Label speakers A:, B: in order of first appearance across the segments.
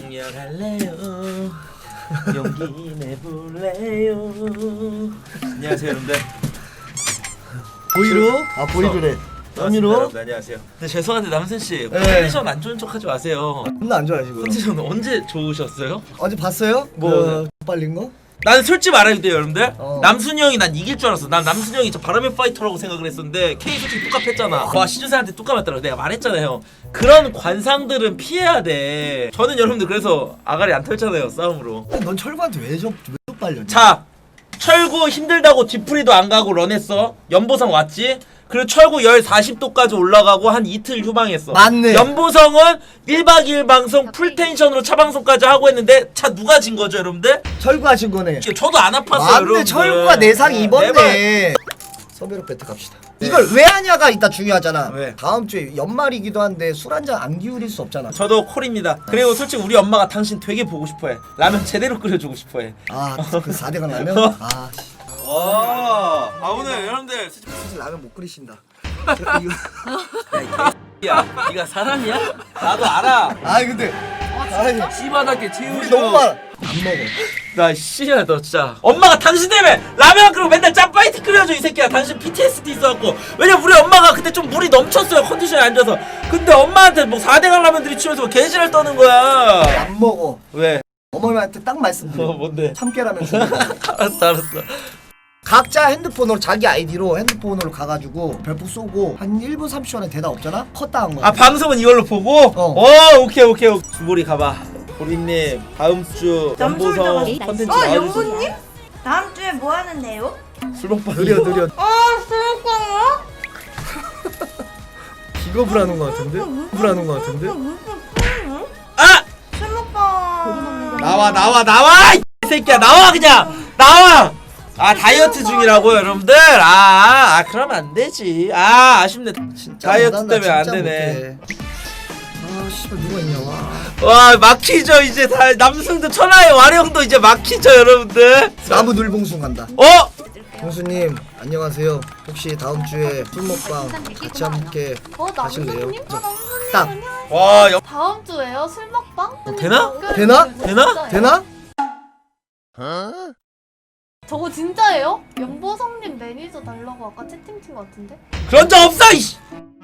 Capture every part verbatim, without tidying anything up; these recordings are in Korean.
A: 강렬할래요 용기 내볼래요. 안녕하세요 여러분들.
B: 보이로? 아 보이로래. 남미로?
A: 여러분 안녕하세요. 근데 죄송한데 남순씨
B: 네.
A: 컨디션 안 좋은 척하지 마세요.
B: 존나 안 좋아요 지금.
A: 컨디션 언제 좋으셨어요?
B: 어제 봤어요?
A: 뭐?
B: 그 빨린 거?
A: 나는 솔직히 말해도 돼요 여러분들.
B: 어.
A: 남순이 형이 난 이길 줄 알았어. 난 남순이 형이 저 바람의 파이터라고 생각을 했었는데 K 솔직히 뚜깝했잖아. 와 시주사한테 뚜깝했더라고. 내가 말했잖아요. 그런 관상들은 피해야 돼. 저는 여러분들 그래서 아가리 안 털잖아요 싸움으로.
B: 넌 철구한테 왜 저 왜 빨렸냐?
A: 자 철구 힘들다고 뒤풀이도 안 가고 런했어. 연보성 왔지. 그리고 철구 열 사십 도까지 올라가고 한 이틀 휴방했어.
B: 맞네.
A: 연보성은 일박 이일 방송 풀텐션으로 차방송까지 하고 했는데 차 누가 진 거죠 여러분들?
B: 철구가 진 거네.
A: 저도 안 아팠어요
B: 맞네.
A: 여러분들.
B: 철구가 내상 입었네. 서베로 배트 갑시다. 이걸 왜 하냐가 이따 중요하잖아.
A: 왜?
B: 다음 주에 연말이기도 한데 술 한 잔 안 기울일 수 없잖아.
A: 저도 콜입니다. 그리고 솔직히 우리 엄마가 당신 되게 보고 싶어해. 라면 제대로 끓여주고 싶어해.
B: 아그 사 대강 라면? 아 씨.
A: 와, 아 오늘 여러분들
B: 사실 라면 못 끓이신다.
A: 야, 네가 사람이야? 나도 알아.
B: 아 근데 아니
A: 씨바닥에
B: 우리
A: 채우죠.
B: 너무 많아. 안 먹어.
A: 나 씨야 너 진짜. 엄마가 당신 때문에 라면 끓이고 맨날 짬파이트 끓여줘 이 새끼야. 당신 피티에스디 있어갖고. 왜냐면 우리 엄마가 그때 좀 물이 넘쳤어요 컨디션이 안 좋아서. 근데 엄마한테 뭐 사 대강 라면들이 치면서 개지랄 떠는 거야.
B: 안 먹어.
A: 왜?
B: 어머님한테 딱 말씀드려.
A: 어 뭔데?
B: 참깨라면 주
A: 알았어 알았어.
B: 각자 핸드폰으로 자기 아이디로 핸드폰으로 가가지고 별풍 쏘고 한 일 분 삼십 초 안에 대답 없잖아? 컷다 한 거야.
A: 아 방송은 이걸로 보고?
B: 어.
A: 어 오케이 오케이 오케이. 주보리 가봐. 보리님 다음 주 연보성 컨텐츠
C: 어,
A: 나와주세요.
C: 연보님? 다음 주에 뭐 하는데요?
A: 술 먹방.
B: 느려 느려.
C: 아, 술먹방이요?
B: 기겁을 하는 거 같은데? 기겁을 하는 거 같은데?
A: 아!
C: 술먹방.
A: 나와 나와 나와 이 새끼야 나와 그냥 나와. 아 다이어트 중이라고 여러분들. 아, 아 그러면 안 되지. 아 아쉽네.
B: 진짜
A: 다이어트
B: 못한다,
A: 때문에 안
B: 진짜
A: 되네.
B: 못해. 아 씨발 누가 있냐 와.
A: 와 막히죠 이제 다. 남승도 천하의 와룡도 이제 막히죠 여러분들.
B: 나무 늘봉숭 간다.
A: 어?
B: 봉수님 안녕하세요. 혹시 다음 주에 술 먹방 같이 함께
D: 어,
B: 하실래요?
D: 남순님? 어, 남순님
B: 딱.
D: 안녕하세요.
A: 와 여...
D: 다음 주에요? 술 먹방?
A: 되나?
B: 되나?
A: 되나?
B: 되나?
D: 저거 진짜예요? 연보성님 매니저 달라고 아까 채팅친 것 같은데?
A: 그런 적 없어 이씨.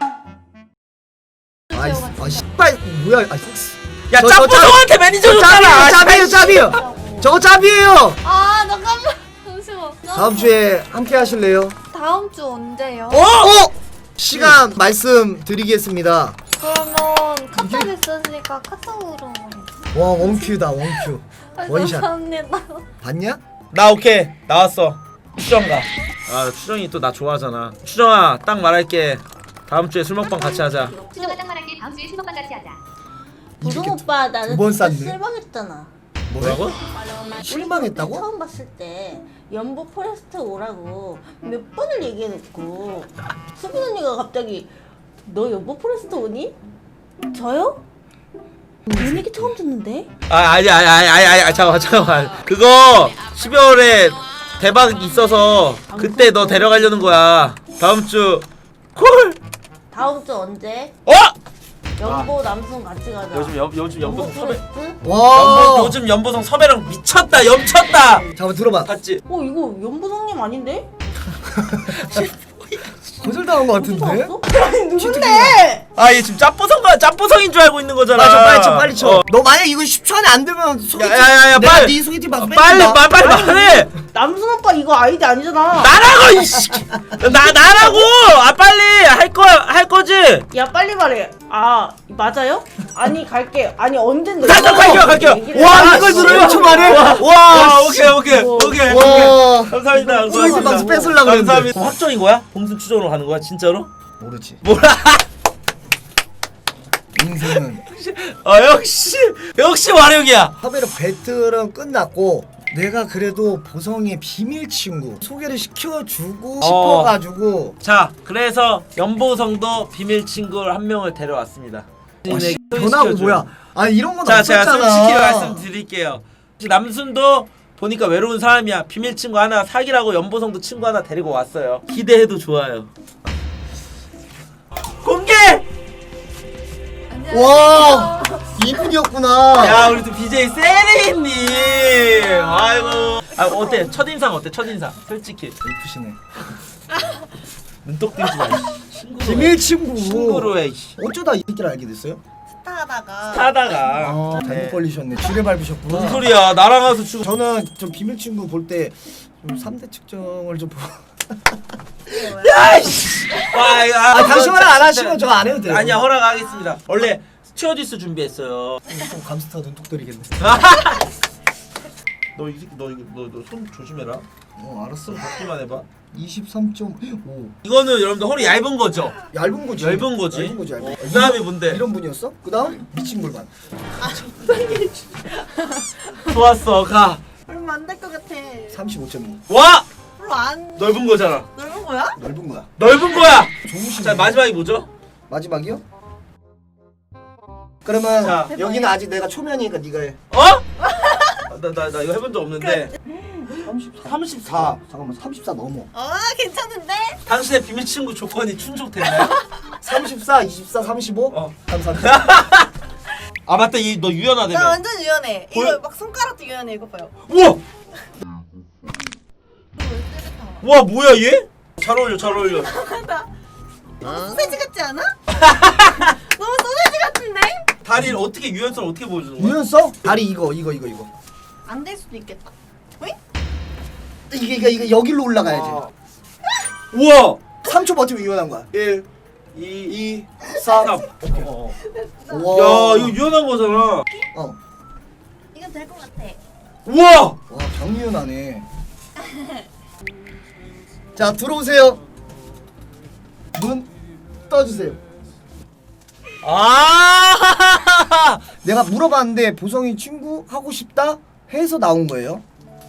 B: 아이 아 씨발 뭐야? 아 씨.
A: 야
B: 저- 저
A: 짭보성한테 매니저 줬잖아.
B: 짭이에요 짭이에요. 저거 짭이에요.
D: 아 잠깐만 잠시만.
B: 다음 주에 함께 하실래요?
D: 다음 주 언제요?
A: 어?
B: 어? 시간 말씀드리겠습니다.
D: 그러면 카톡 있으니까 카톡으로
B: 와 원큐다 원큐. 원샷.
D: 감사합니다.
B: 봤냐?
A: 나 오케이 나왔어. 추정 가. 아 추정이 또 나 좋아하잖아. 추정아 딱 말할게. 다음 주에 술 먹방 같이 하자.
E: 추정아 딱 말할게. 다음 주에 술 먹방 같이 하자.
F: 부동 오빠 나는
B: 두번
F: 진짜
B: 쌌네.
F: 실망했잖아.
A: 뭐라고?
B: 실망했다고?
F: 처음 봤을 때 연보 포레스트 오라고 몇 번을 얘기해놓고 수빈 언니가 갑자기 너 연보 포레스트 오니? 저요? 이 얘기 처음 듣는데?
A: 아 아니 아니 아니 아니 아니 잠깐만 잠깐만. 그거 십이월에 대박 있어서 그때 너 데려가려는 거야. 다음 주 콜.
F: 다음 주 언제?
A: 어?
F: 연보 남순 같이 가자.
A: 요즘 연 요즘
F: 연보
A: 연보성 섭외.
F: 포레스트?
B: 와.
A: 연보, 요즘 연보성 섭외랑 미쳤다 염쳤다.
B: 잠깐 들어봐.
A: 봤지?
F: 어 이거 연보성님 아닌데?
B: 거절당한 거 같은데?
F: 나왔어? 아니 누군데?
A: 아 얘 지금 짭보성가 짭보성인 줄 알고 있는 거잖아.
B: 맞아 빨리 쳐 빨리 쳐.
A: 어.
B: 너 만약 이거 십 초 안에 안 되면 소개팅.
A: 야야야야
B: 내가
A: 빨리
B: 네 소개팅 방송
A: 빨리
B: 뺏는다.
A: 빨리 빨리 말해.
F: 남순 오빠 이거 아이디 아니잖아.
A: 나라고 이씨. 나 나라고. 아 빨리 할 거야 할 거지.
F: 야 빨리 말해. 아 맞아요? 아니 갈게. 아니 언젠데?
A: 자, 자, 갈게요, 갈게요.
F: 얘기를
B: 와
F: 해.
B: 이걸
A: 씨.
B: 들어 일 초 만에?
A: 와,
B: 와
A: 오케이 오케이
F: 뭐.
A: 오케이.
B: 와.
A: 감사합니다.
B: 소개팅 방송
A: 감사합니다.
B: 뺏으려고 그랬는데.
A: 감사합니다. 확정인 거야? 봉순 추정으로 가는 거야 진짜로?
B: 모르지.
A: 뭐라?
B: 인생은
A: 아 역시 역시 와룡이야.
B: 섭외로 배틀은 끝났고 내가 그래도 보성의 비밀 친구 소개를 시켜주고
A: 어.
B: 싶어가지고
A: 자 그래서 연보성도 비밀 친구를 한 명을 데려왔습니다.
B: 와, 씨, 변하고 뭐야? 아 이런 건
A: 자 제가
B: 없었잖아.
A: 솔직히 말씀드릴게요. 남순도 보니까 외로운 사람이야. 비밀 친구 하나 사귀라고 연보성도 친구 하나 데리고 왔어요. 기대해도 좋아요. 공개!
B: 와 이분이었구나.
A: 야 우리 또 비제이 세리님. 아이고. 아 어때? 첫인상 어때? 첫인상. 솔직히.
B: 이쁘시네.
A: 눈독 들지 마. 친구로
B: 비밀 친구.
A: 친구로 해. 씨.
B: 어쩌다 이 새끼를 알게 됐어요?
C: 스타하다가
A: 타다가.
B: 아, 잘못 걸리셨네. 지뢰 밟으셨구나.
A: 무슨 소리야? 나랑 가서 치고.
B: 저는 좀 비밀 친구 볼 때 좀 삼 대 측정을 좀 보고.
A: 야이씨. 아, 이거, 아,
B: 아, 당신 허락 안
A: 진짜-
B: 하시면 저 안 해도 돼요.
A: 아니야 허락하겠습니다. 원래 스튜어디스 준비했어요.
B: 좀 감스타 눈독 들이겠네.
A: 너 이 새끼 너 이거 너 손 조심해라.
B: 어, 알았어.
A: 받기만 해봐.
B: 이십삼 점 오.
A: 이거는 여러분들 허리 얇은 거죠?
B: 얇은 거지.
A: 얇은 거지.
B: 얇은 거지. 얇은
A: 어,
B: 거.
A: 그다음에 뭔데?
B: 이런 분이었어? 그다음 미친 골반.
A: 좋았어 가.
C: 얼마 안 될 것 같아.
B: 삼십오 점 이.
A: 와
C: 별로 안
A: 넓은 거잖아.
C: 넓은 거야?
B: 넓은 거야.
A: 넓은 거야.
B: 좋으시네.
A: 자 마지막이 뭐죠?
B: 마지막이요? 그러면
A: 자,
B: 여기는 아직 내가 초면이니까 네가 해.
A: 어? 나 나 나 이거 해본 적 없는데. 삼십사.
B: 잠깐만 삼십사 넘어.
C: 어 괜찮은데?
A: 당신의 비밀 친구 조건이 충족됐나요?
B: 삼십사, 이십사, 삼십오?
A: 어.
B: 감사합니다.
A: 아 맞다 이 너
C: 나
A: 유연하다며.
C: 완전 유연해.
A: 볼-
C: 이거 막 손가락도 유연해. 이거 봐요.
A: 우와. 와 뭐야 얘? 잘 어울려 잘 어울려.
C: 너무 소세지 같지 않아? 너무 소세지 같은데?
A: 다리를 어떻게 유연성 어떻게 보여주는 거야?
B: 유연성? 다리 이거 이거 이거 이거.
C: 안 될 수도 있겠다. 왜?
B: 이게 이게 이게 여기로 올라가야지.
A: 아. 우와.
B: 삼 초 버티면 유연한 거야.
A: 일,
B: 이,
A: 이,
B: 삼.
A: 삼. 어.
B: 우와.
A: 야 이거 유연한 거잖아.
B: 어.
C: 이건 될 것 같아.
A: 우와.
B: 와, 병유연하네. 자, 들어오세요. 눈 떠주세요.
A: 아.
B: 내가 물어봤는데 보성이 친구 하고 싶다 해서 나온 거예요.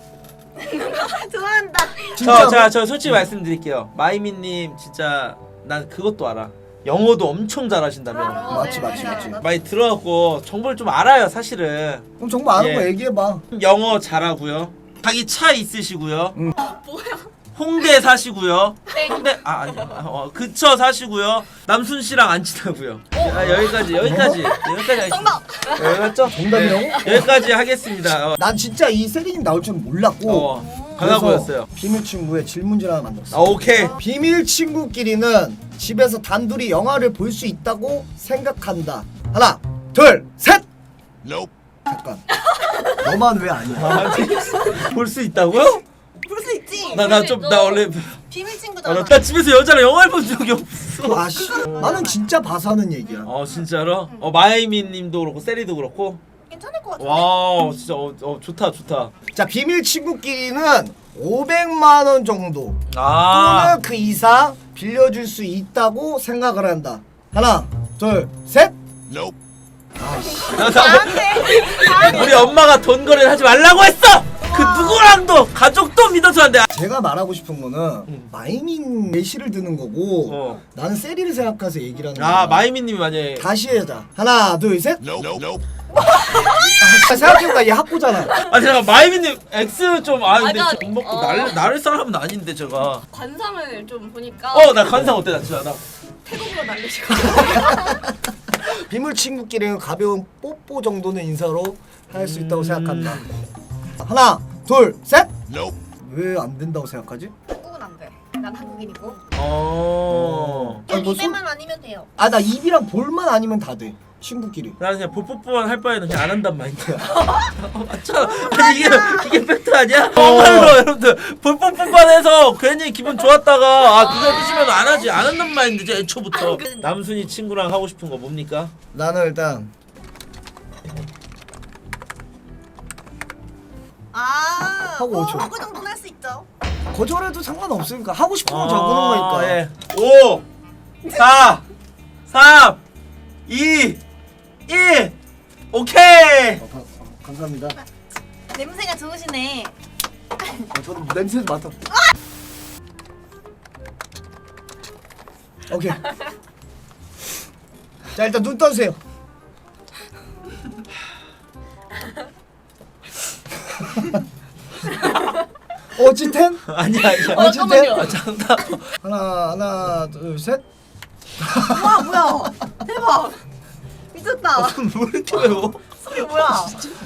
C: 좋아한다.
B: 진짜.
A: 저, 자, 저 솔직히 말씀드릴게요. 마이미님 진짜 난 그것도 알아. 영어도 엄청 잘하신다며.
B: 맞지, 맞지, 맞지.
A: 많이 들어갖고 정보를 좀 알아요, 사실은.
B: 그럼 정말 아는
A: 예.
B: 거 얘기해봐.
A: 영어 잘하고요. 자기 차 있으시고요.
B: 응.
A: 홍대 사시고요. 홍대 아 아니 어, 그쵸 사시고요. 남순 씨랑 안 친하고요. 아, 여기까지 여기까지 여기까지 하겠습니다. 여기 맞죠?
B: 정답이라고?
A: 네, 여기까지 하겠습니다. 어,
B: 난 진짜 이 세리님 나올 줄은 몰랐고.
A: 어 강하 보였어요.
B: 비밀 친구의 질문지를 하나 만들었어.
A: 아 오케이.
B: 비밀 친구끼리는 집에서 단둘이 영화를 볼 수 있다고 생각한다. 하나, 둘, 셋. 잠깐. 너만 왜 아니야?
A: 볼 수 있다고요?
C: 볼 수 있지.
A: 나 나 좀 나 원래
C: 비밀
A: 아,
C: 친구잖아.
A: 나 집에서 여자랑 영화를 본 적이 없어.
B: 아씨, 나는 진짜 봐서 하는 얘기야.
A: 어 진짜로? 어 마이미님도 그렇고 세리도 그렇고.
C: 괜찮을 것 같은데?
A: 와 진짜 어, 어 좋다 좋다.
B: 자, 비밀 친구끼리는 오백만 원 정도
A: 아.
B: 또는 그 이상 빌려줄 수 있다고 생각을 한다. 하나, 둘, 셋.
A: 나, 나, 우리 엄마가 돈 거래를 하지 말라고 했어. 그 누구랑도 가족도 믿어서 안 돼.
B: 제가 말하고 싶은 거는
A: 음.
B: 마이민 예시를 드는 거고
A: 어.
B: 나는 세리를 생각해서 얘기를 하는 거야.
A: 아 마이미님이 만약에
B: 다시 해자. 하나, 둘, 셋. 아, 생각해보니까 얘 학고잖아.
A: 아 제가 마이미님 X 좀 아 근데
D: 맞아.
A: 돈 먹고
D: 어.
A: 날 나를 사람은 아닌데 제가.
D: 관상을 좀 보니까
A: 어 나 관상 어때 나 진짜 나.
D: 태국으로 날리시고
B: 비밀 친구끼리는 가벼운 뽀뽀 정도는 인사로 할 수 있다고 생각한다. 하나, 둘, 셋. 왜 안 된다고 생각하지?
C: 한국은 안 돼. 난 한국인이고.
A: 어.
B: 아니, 뭐 손-
C: 입에만 아니면 돼요.
B: 아, 나 입이랑 볼만 아니면 다 돼. 친구끼리.
A: 나는 그냥 볼뽀뽀만 할 바에는 그냥 안 한단 마인드야. 어, 맞잖아. 아니, 이게 이게 팩트 아니야? 정말로 여러분들 볼뽀뽀만 해서 괜히 기분 좋았다가 아 그거 드시면 안 하지 안 한단 마인드지 애초부터. 남순이 친구랑 하고 싶은 거 뭡니까?
B: 나는 일단
C: 아.
B: 하고
C: 뭐,
B: 오죠.
C: 그거 정도는 할 수 있죠.
B: 거절해도 상관없으니까 하고 싶은 거 적는 거니까.
A: 예. 오, 사, 삼, 이, 일. 오케이.
B: 어, 가- 어, 감사합니다.
C: 냄새가 좋으시네.
B: 어, 저도 냄새 맡아. 오케이. 자, 일단 눈 떠주세요. 어찌텐?
A: 아니야 아니야.
B: 어찌텐?
A: 아, 장난.
B: 하나, 하나, 둘, 셋.
C: 와 뭐야? 대박. 미쳤다.
B: 왜 이렇게 매워?
C: 소리 뭐야?